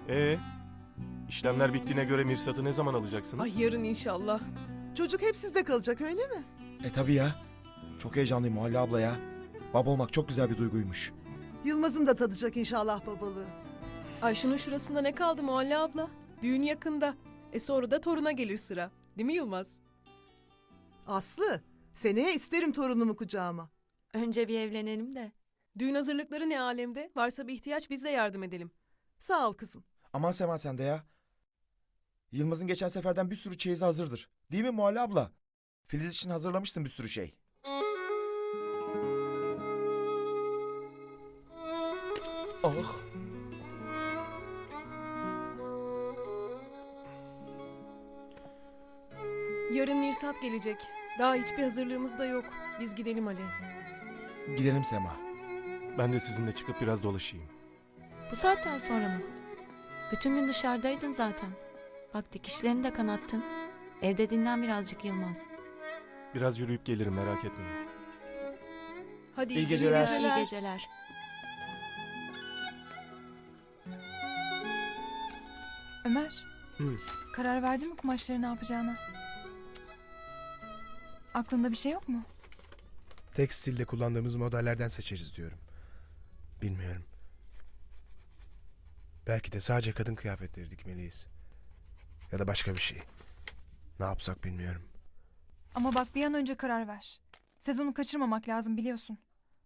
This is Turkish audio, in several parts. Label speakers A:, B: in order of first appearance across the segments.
A: Ee, işlemler bittiğine göre Mirsat'ı ne zaman alacaksınız?
B: Ay yarın inşallah.
C: Çocuk hep sizde kalacak öyle mi?
D: Tabii ya. Çok heyecanlıyım Muhalle abla ya. Baba olmak çok güzel bir duyguymuş.
C: Yılmaz'ın da tadacak inşallah babalığı.
B: Ay şunun şurasında ne kaldı Muhalle abla? Düğün yakında. Sonra da toruna gelir sıra. Değil mi Yılmaz?
C: Aslı, seneye isterim torunumu kucağıma.
E: Önce bir evlenelim de.
B: Düğün hazırlıkları ne alemde? Varsa bir ihtiyaç biz de yardım edelim.
C: Sağ ol kızım.
D: Aman Sema sen de ya. Yılmaz'ın geçen seferden bir sürü çeyizi hazırdır. Değil mi Muhalle abla? Filiz için hazırlamıştım bir sürü şey. Oh.
B: Yarın Mirsat gelecek. Daha hiçbir hazırlığımız da yok. Biz gidelim hadi.
D: Gidelim Sema.
A: Ben de sizinle çıkıp biraz dolaşayım.
E: Bu saatten sonra mı? Bütün gün dışarıdaydın zaten. Bak dikişlerini de kanattın. Evde dinlen birazcık Yılmaz.
A: Biraz yürüyüp gelirim, merak etmeyin.
B: Hadi
D: İyi geceler.
E: İyi geceler.
F: Ömer,
A: Hı.
F: karar verdin mi kumaşları ne yapacağına? Aklında bir şey yok mu?
G: Tekstilde kullandığımız modellerden seçeriz diyorum. Bilmiyorum. Belki de sadece kadın kıyafetleri dikmeliyiz. Ya da başka bir şey. Ne yapsak bilmiyorum.
F: Ama bak bir an önce karar ver. Sezonu kaçırmamak lazım biliyorsun.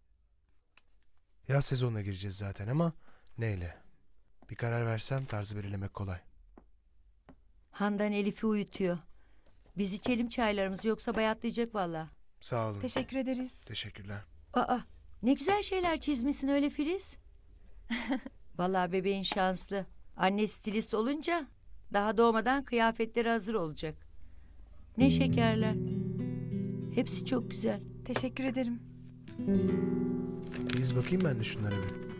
G: Yaz sezonuna gireceğiz zaten ama neyle? Bir karar versem tarzı belirlemek kolay.
H: Handan Elif'i uyutuyor. Biz içelim çaylarımızı yoksa bayatlayacak valla.
G: Sağ olun.
F: Teşekkür ederiz.
G: Teşekkürler.
H: Aa, ne güzel şeyler çizmişsin öyle Filiz. Vallahi bebeğin şanslı. Anne stilist olunca daha doğmadan kıyafetleri hazır olacak. Ne şekerler. Hepsi çok güzel.
F: Teşekkür ederim.
G: Biz bakayım ben de şunlara bir.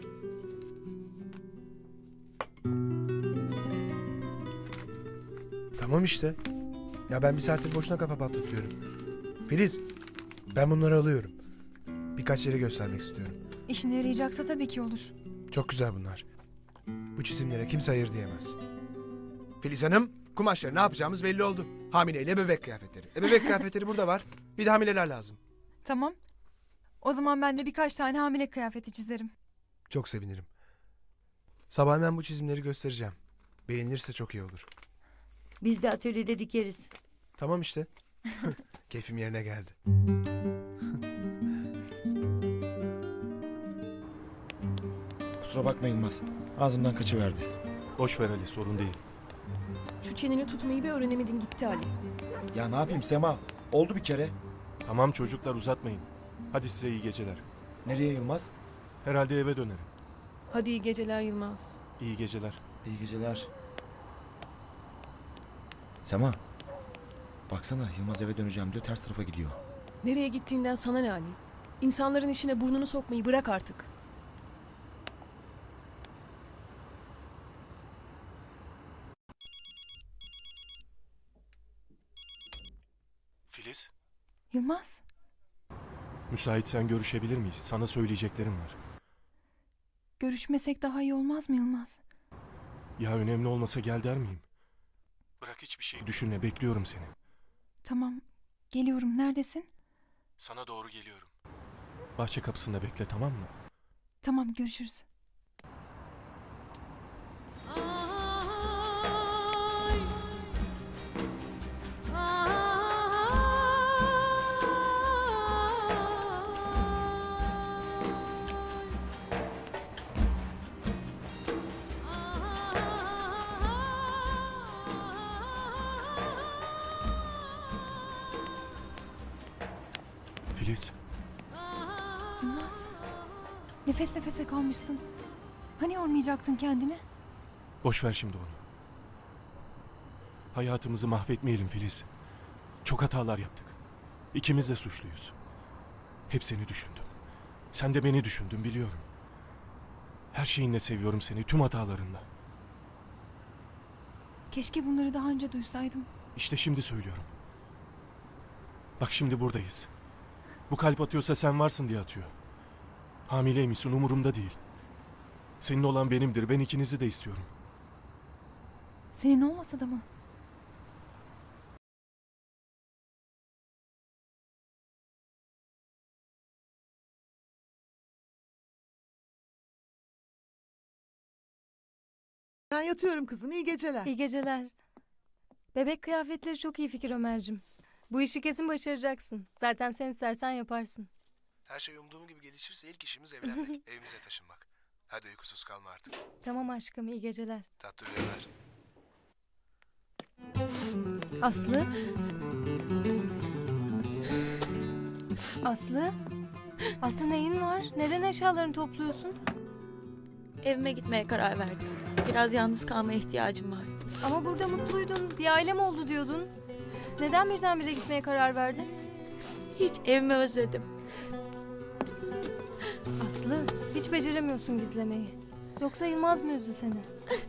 G: Tamam işte. Ya ben bir saattir boşuna kafa patlatıyorum. Filiz, ben bunları alıyorum. Birkaç yere göstermek istiyorum.
F: İşine yarayacaksa tabii ki olur.
G: Çok güzel bunlar. Bu çizimlere kimse hayır diyemez. Filiz Hanım, kumaşları ne yapacağımız belli oldu. Hamileyle bebek kıyafetleri. Bebek kıyafetleri burada var. Bir de hamileler lazım.
F: Tamam. O zaman ben de birkaç tane hamile kıyafeti çizerim.
G: Çok sevinirim. Sabah hemen bu çizimleri göstereceğim. Beğenirse çok iyi olur.
H: Biz de atölyede dikeriz.
G: Tamam işte. Keyfim yerine geldi.
D: Kusura bakma Yılmaz. Ağzımdan kaçıverdi.
A: Boş ver Ali, sorun değil.
B: Şu çeneni tutmayı bir öğrenemedin gitti Ali.
D: Ya ne yapayım Sema? Oldu bir kere.
A: Tamam çocuklar, uzatmayın. Hadi size iyi geceler.
D: Nereye Yılmaz?
A: Herhalde eve dönerim.
B: Hadi iyi geceler Yılmaz.
A: İyi geceler.
D: İyi geceler. Sema. Baksana Yılmaz eve döneceğim diyor, ters tarafa gidiyor.
B: Nereye gittiğinden sana ne Ali? İnsanların işine burnunu sokmayı bırak artık.
A: Filiz,
F: Yılmaz,
A: müsaitsen görüşebilir miyiz? Sana söyleyeceklerim var.
F: görüşmesek daha iyi olmaz mı Yılmaz?
A: Ya önemli olmasa gel der miyim? Bırak hiçbir şey düşünme, bekliyorum seni.
F: Tamam, geliyorum. Neredesin?
A: Sana doğru geliyorum. Bahçe kapısında bekle, tamam mı?
F: Tamam, görüşürüz.
A: Filiz,
F: Yılmaz, nefes nefese kalmışsın. Hani yormayacaktın kendini?
A: boş ver şimdi onu. Hayatımızı mahvetmeyelim Filiz. Çok hatalar yaptık. İkimiz de suçluyuz. Hep seni düşündüm. Sen de beni düşündün, biliyorum. Her şeyinle seviyorum seni, tüm hatalarınla.
F: Keşke bunları daha önce duysaydım.
A: İşte şimdi söylüyorum. Bak şimdi buradayız. Bu kalp atıyorsa sen varsın diye atıyor. Hamileymişsin, umurumda değil. Senin olan benimdir, ben ikinizi de istiyorum.
F: Senin olmasa da mı?
C: Ben yatıyorum kızım. İyi geceler.
I: İyi geceler. Bebek kıyafetleri çok iyi fikir Ömer'cim. Bu işi kesin başaracaksın. Zaten sen istersen yaparsın.
G: Her şey umduğum gibi gelişirse ilk işimiz evlenmek, evimize taşınmak. Hadi uykusuz kalma artık.
I: Tamam aşkım, iyi geceler.
G: Tatlı rüyalar.
I: Aslı? Aslı? Aslı neyin var? Neden eşyalarını topluyorsun?
E: Evime gitmeye karar verdim. Biraz yalnız kalmaya ihtiyacım var.
I: Ama burada mutluydun. Bir ailem oldu diyordun. Neden birdenbire gitmeye karar verdin?
E: Hiç evimi özledim.
I: Aslı, hiç beceremiyorsun gizlemeyi. Yoksa Yılmaz mı üzdü seni?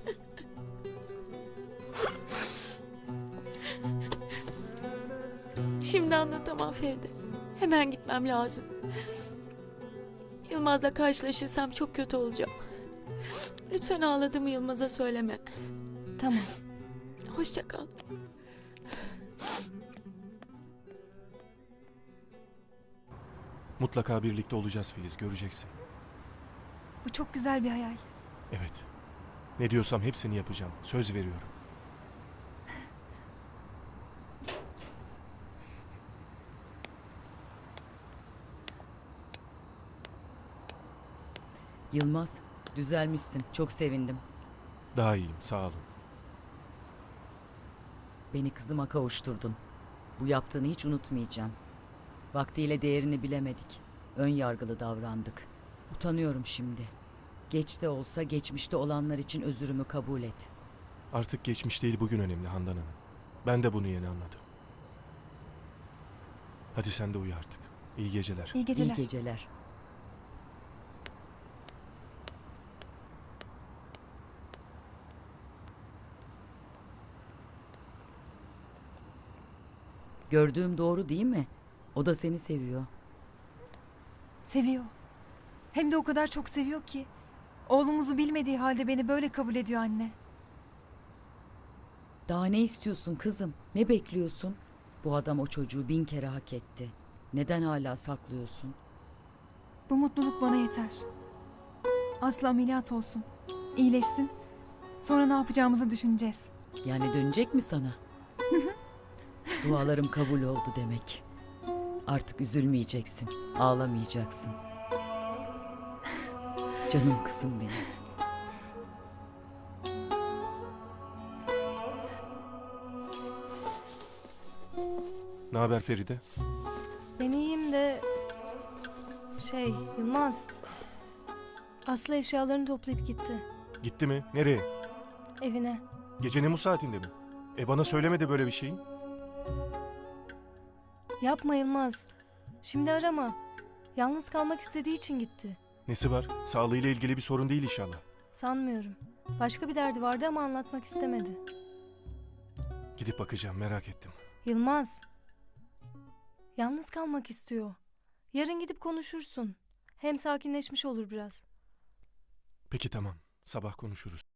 E: Şimdi anlatamam Feride. Hemen gitmem lazım. Yılmaz'la karşılaşırsam çok kötü olacağım. Lütfen ağladığımı Yılmaz'a söyleme.
I: Tamam.
E: Hoşça kal.
A: Mutlaka birlikte olacağız Filiz, göreceksin.
F: Bu çok güzel bir hayal.
A: Evet. Ne diyorsam hepsini yapacağım. Söz veriyorum.
J: Yılmaz, düzelmişsin. Çok sevindim.
A: Daha iyiyim, sağ olun.
J: Beni kızıma kavuşturdun. Bu yaptığını hiç unutmayacağım. Vaktiyle değerini bilemedik. Ön yargılı davrandık. Utanıyorum şimdi. Geç de olsa geçmişte olanlar için özürümü kabul et.
A: Artık geçmiş değil, bugün önemli Handan Hanım. Ben de bunu yeni anladım. Hadi sen de uyu artık. İyi geceler.
F: İyi geceler.
J: İyi geceler. Gördüğüm doğru değil mi? O da seni seviyor.
F: Seviyor. Hem de o kadar çok seviyor ki. Oğlumuzu bilmediği halde beni böyle kabul ediyor anne.
J: Daha ne istiyorsun kızım? Ne bekliyorsun? Bu adam o çocuğu 1000 kere hak etti. Neden hala saklıyorsun?
F: Bu mutluluk bana yeter. Aslı ameliyat olsun. İyileşsin. Sonra ne yapacağımızı düşüneceğiz.
J: Yani dönecek mi sana? Dualarım kabul oldu demek. Artık üzülmeyeceksin, ağlamayacaksın. Canım kızım benim.
A: Ne haber Feride?
I: Ben iyiyim de... Yılmaz. Aslı eşyalarını toplayıp gitti.
A: Gitti mi? Nereye?
I: Evine.
A: Gecenin bu saatinde mi? Bana söylemedi böyle bir şeyi.
I: Yapma Yılmaz. Şimdi arama. Yalnız kalmak istediği için gitti.
A: Nesi var? Sağlığıyla ilgili bir sorun değil inşallah.
I: Sanmıyorum. Başka bir derdi vardı ama anlatmak istemedi.
A: Gidip bakacağım, merak ettim.
I: Yılmaz. Yalnız kalmak istiyor. Yarın gidip konuşursun. Hem sakinleşmiş olur biraz.
A: Peki tamam, sabah konuşuruz.